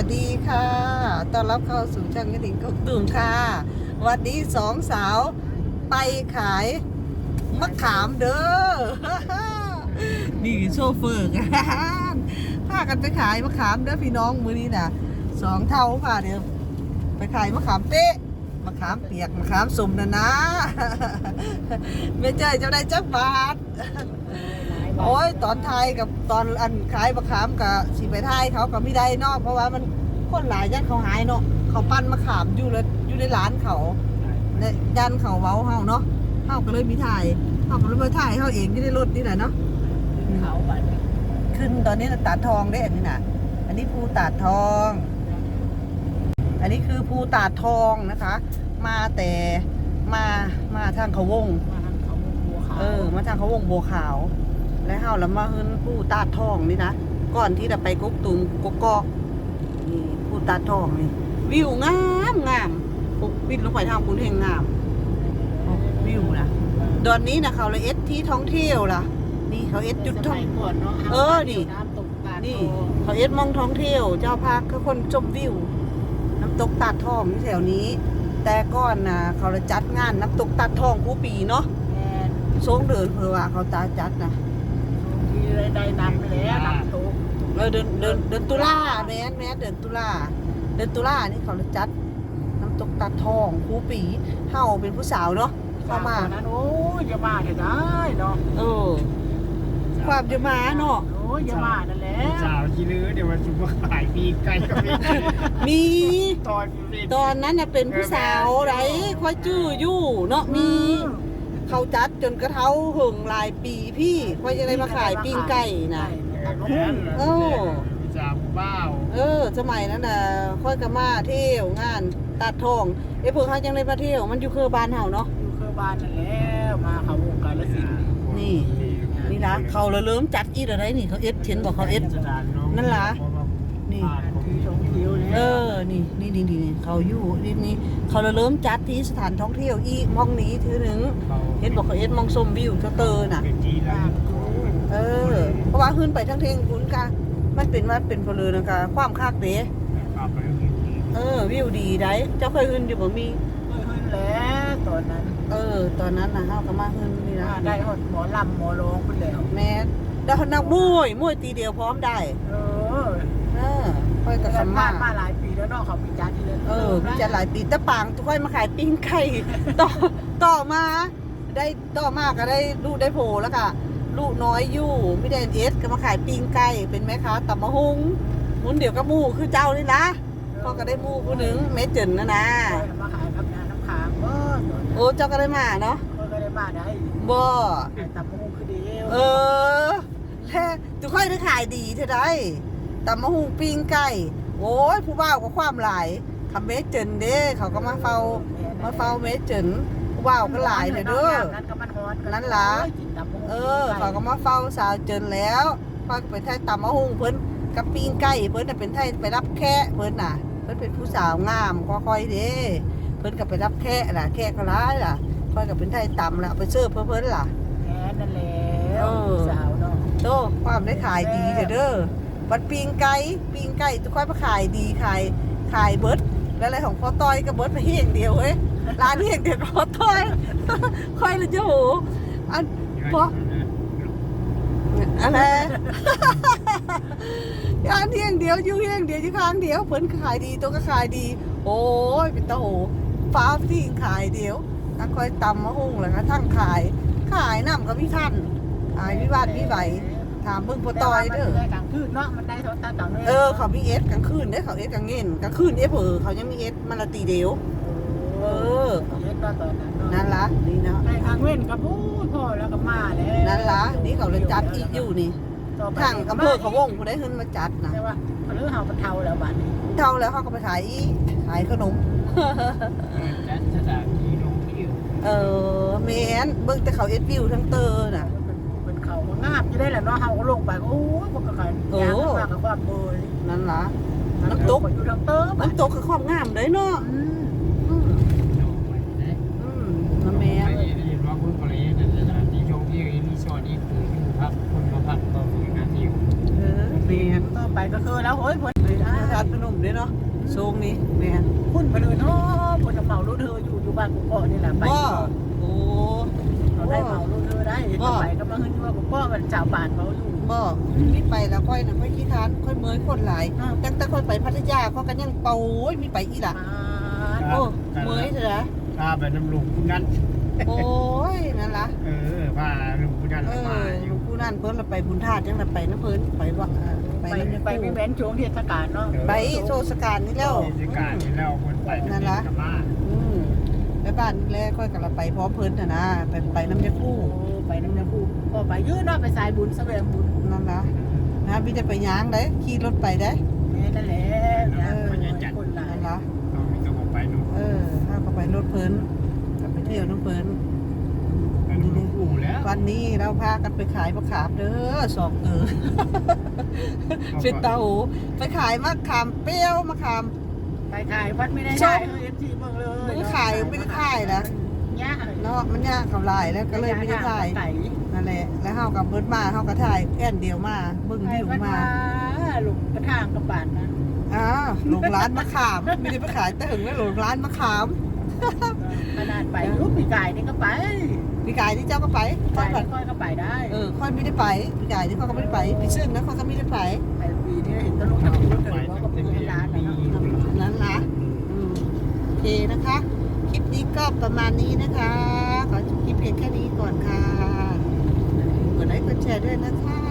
วัสดีค่ะต้อนรับเข้าสู่ช่างกระดิ่งกกตูมค่ะวันนี้สองสาวไปขายมะขามเด้อ นี่โชเฟอร์กันพากันไปขายมะขามเด้อพี่น้องมื้อนี้น่ะสองเท่าค่ะเดี๋ยวไปขายมะขามเป๊ะมะขามเปียกมะขามสุ่มนะ ไม่ใช่เจ้าได้จักบาท โอ้ยตอนไทยกับตอนอันขายมะขามกับสีไปไทยเขาก็ไม่ได้เนาะเพราะว่ามันคนหลายยันเขาหายเนาะเขาปั้นมะขามอยู่แล้วอยู่ในร้านเขาเนี่ยยันเขาเว้าเฮาเนาะเฮาก็เลยมีถ่ายเฮาก็เลยมาถ่ายเฮาเองที่ในรถนี่แหละเนาะเขาบัดขึ้นตอนนี้ตาดทองได้อันนี้น่ะอันนี้ภูตาดทอง อันนี้คือภูตาดทองนะคะมาแต่มาทางเขาวงมาทางเขาวงบัวขาวแล้วเฮาแล้วมาขึ้นภูตาดทองนี่นะก่อนที่จะไปกกตุมกกอกนี่ภูตาดทองนี่วิวงามงามวิวลงไปทางคุณเฮงงามวิวนะตอนนี้นะเขาเลยเอสที่ท่องเที่ยวล่ะนี่เขาเอสจุดท่องนี่นี่เขาเอสมองท่องเที่ยวเจ้าพาคือคนชมวิวน้ำตกตาดทองแถวนี้แต่ก่อนนะเขาเลยจัดงานน้ำตกตาดทองคู่ปีเนาะทรงเดินเพื่อว่าเขาตาจัดนะที่ได้นำแล้วนำตุ๊กเดินตุลาแม่เดินตุลานี่เขาเลยจัดน้ำตกตาดทองคู่ปีเฮาเป็นผู้สาวเนาะเข้ามานั้นโอ้ยจะมาจะได้เนาะความจะมาเนาะโอ้ยจะมานั่นแหละสาวขี้ลือเดี๋ยววันชุบขายปีไก่ก็มีตอนนั้นน่ะเป็นผู้สาวไรค่อยจื้ออยู่เนาะมีเขาจัดจนกระเท้าหึงหลายปีพี่ค่อยจะได้มาขายปิ้งไก่นะสาวเบ้าสมัยนั้นน่ะค่อยก็มาเที่ยวงานตัดทองเพิ่งเขายังได้มาเที่ยวมันอยู่คือบ้านเฮาเนาะอยู่คือบ้านนั่นแล้วมาเขาวงการละสินี่นะเขาเริ่มจัดอีอะไรนี่เขาเอสเห็นบอกเขาเอสนั่นล่ะนี่นี่เขาอยู่นี่เขาเริ่มจัดที่สถานท่องเที่ยวอีมองนี้ถือหนึ่งเห็นบอกเขาเอสมองชมวิวเตอร์น่ะเพราะว่าขึ้นไปทั้งเทงคุณกะมันเป็นว่าเป็นพลเรือนกะความคากเด้วิวดีได้เจ้าเคยขึ้นอยู่บ่มีขึ้นแล้วตอนนั้นตอนนั้นนะเฮาก็มาขึ้นนี่นะได้หมอลำหมอร้องขึ้นแล้วแม่ได้นักมวยตีเดียวพร้อมได้ค่อยกับสมาหลายปีแล้วเนาะเขามีจัดที่มีจัดหลายปีแต่ปางทุกค่อยมาขายปิ้งไก่ต่อมาก็ได้ลูกได้โผแล้วก็ลูกน้อยอยู่ไม่ได้เอสก็มาขายปิ้งไก่เป็นแม่ค้าตับมะฮุงมุนเดี๋ยวก็มูคือเจ้านี่นะพ่อก็ได้มูผู้หนึ่งเมจินนะมาขายกับน้ำค้างเจ้าก็ได้มาเนาะก็ได้มาได้บ่ตับมะฮุงคือเดียวแท้ทุกค่อยได้ขายดีเท่าไรตับมะฮุงปิ้งไก่โอ้ยผู้บ่าวก็ความหลายทำเมจินเด้เขาก็มาเฝ้าเมจินผู้บ่าวก็หลายเลยเด้อนั่นล่ะเขาก็มาเฝ้าสาวเจินแล้วพอไปไทยตับมะฮุงเพิ่นกับปิ้งไก่เพิ่นน่ะเป็นไทยไปรับแค่เพิ่นน่ะเพิ่นเป็นผู้สาวงามค่อยๆเด้เพิ่นก็ไปรับแค่ล่ะแค่ก็ร้ายล่ะค่อยก็เป็นไทยตำล่ะไปเสิร์ฟเพิ่นล่ะแค่นั่นแหละสาวเนาะโตความได้ขายดีเด้อบัดปิ้งไก่ทุกค่อยมาขายดีขายเบิดแล้วอะไรของพ่อต้อยก็เบิดไปเฮียงเดียวเว้ยร้านเฮียงเดียวพ่อต้อยค่อยเลยเจ้าโหอันพออะไรร้านเฮียงเดียวอยู่เฮียงเดียวอยู่ข้างเดียวเพิ่นขายดีตัวก็ขายดีโอ้ยเป็นตาโหฟ้าที่ขายเดียวก็ค่อยตำมะฮุ่งแล้วก็ทั้งขายน้ำก็พี่ท่านขายวิวาทวิไหวถามเบิ่งพ่อต้อยเด้อกลางคืนเนาะมันได้เท่าตาต่างเขามีเอสกลางคืนเด้เขาเอสกลางเงินกลางคืนเขายังมีเอสมันละตีเดียวเอสตอนนั้นนั่นล่ะนี่เนาะในทางเว้นกับพูดพ่อแล้วก็มาแล้วนั่นล่ะนี่เขาเลยจัดอีกอยู่นี่ทางอำเภอเขาวงผู้ได้ขึ้นมาจัดนะแต่ว่าหรือเฮาก็เท่าแล้วบัดนี้เท่าแล้วเขาก็ไปขายขนมจัดสถานที่ท่องเที่ยวแม่นเบิ่งแต่เขาเอสวิวทั้งเตอร์น่ะเป็นเขางามจะได้แหละเนาะเฮาก็ลงไปโอ้ยพวกก็ขายยางมากกับความเบยนั่นล่ะน้ำตกอยู่ทั้งเตอร์น้ำตกคือความงามเลยเนาะแม่เห็นว่าคุณภรรยาจัดสถานที่ท่องเที่ยวรีสอร์ทนี่คืออยู่พักคนมาพักก็มีงานเที่ยวแม่ต่อไปก็คือแล้วโอ้ยเพิ่นทานพนมด้วยเนาะโซงนี้แม่นคุณไปเลยเนาะคนเหมารถเธออยู่บ้านกูเกาะนี่แหละไปบ่โอ้เราได้เหมารถเธอได้ไปก็มาขึ้นว่ากูเกาะมันชาวบ้านเขาอยู่บ่มีไปแล้วค่อยน่ะค่อยขี้ทานค่อยเมยคนหลายตั้งแต่ค่อยไปพัทยาเขากันยังเป่าโอ้ยมีไปอีหล่ะโอ้เมยเถอะพาไปน้ำลุงคุณนั้นโอ้ยนั่นล่ะพาลุงคุณนั้นมาออยู่ ยู่ผู้นั่นเพิ่นละไปบุญธาตุจังละไปนะเพิ่นไปว่าไปไปไม่แว้นช่วงเทศกาลเนาะไปโซสการนี่แล้วเทศกาลที่แล้วคนไปกับมาไปบ้านแรกค่อยกับเราไปพร้อมเพิ่นน่ะนะไปน้ำยาคู่ไปน้ำยาคูก็ไปยืดเนาะไปสายบุญแสดงบุญนั่นล่ะนะพี่จะไปย่างได้ขี่รถไปได้นั่นแหละคนหลายนั่นล่ะเรามีกระบอกไปนู่นถ้าก็ไปรถเพิ่นก็ไปเที่ยวน้ำเพิ่นไปดูลุงปู่แล้ววันนี้เราพากันไปขายมะขามเด้อสองเป็นเตาไปขายมะขามเปรี้ยวมะขามไปขายวัดไม่ได้ได้เอฟซีเมืองเลยมันขายไม่ได้ขายนะเนี่ยเนาะมันยากกับลายแล้วก็เลยไม่ได้ถ่ายนั่นแหละแล้วเฮากับเบิดมาเฮาก็ถ่ายแค่นเดียวมาเบิ่งวิวมาหลุมกระทางกระบาดนะหลงร้านมะขามไม่ได้ไปขายแต่ถึงแล้วหลงร้านมะขามขนาดไปรูปปีกายนี่ก็ไปพี่กายที่เจ้าก็ไปค่อยแบบค่อยก็ไปได้ค่อยไม่ได้ไปพี่กายที่เขาก็ไม่ได้ไปพี่ซึ่งนะเขาก็ไม่ได้ไปไปปีนี้เห็นตะลุกตะลุกเลยว่าก็เป็นร้านนะนั้นนะโอเคนะคะ คลิปนี้ก็ประมาณนี้นะคะขอจบคลิปเพียงแค่นี้ก่อนค่ะกดไลค์กดแชร์ด้วยนะคะ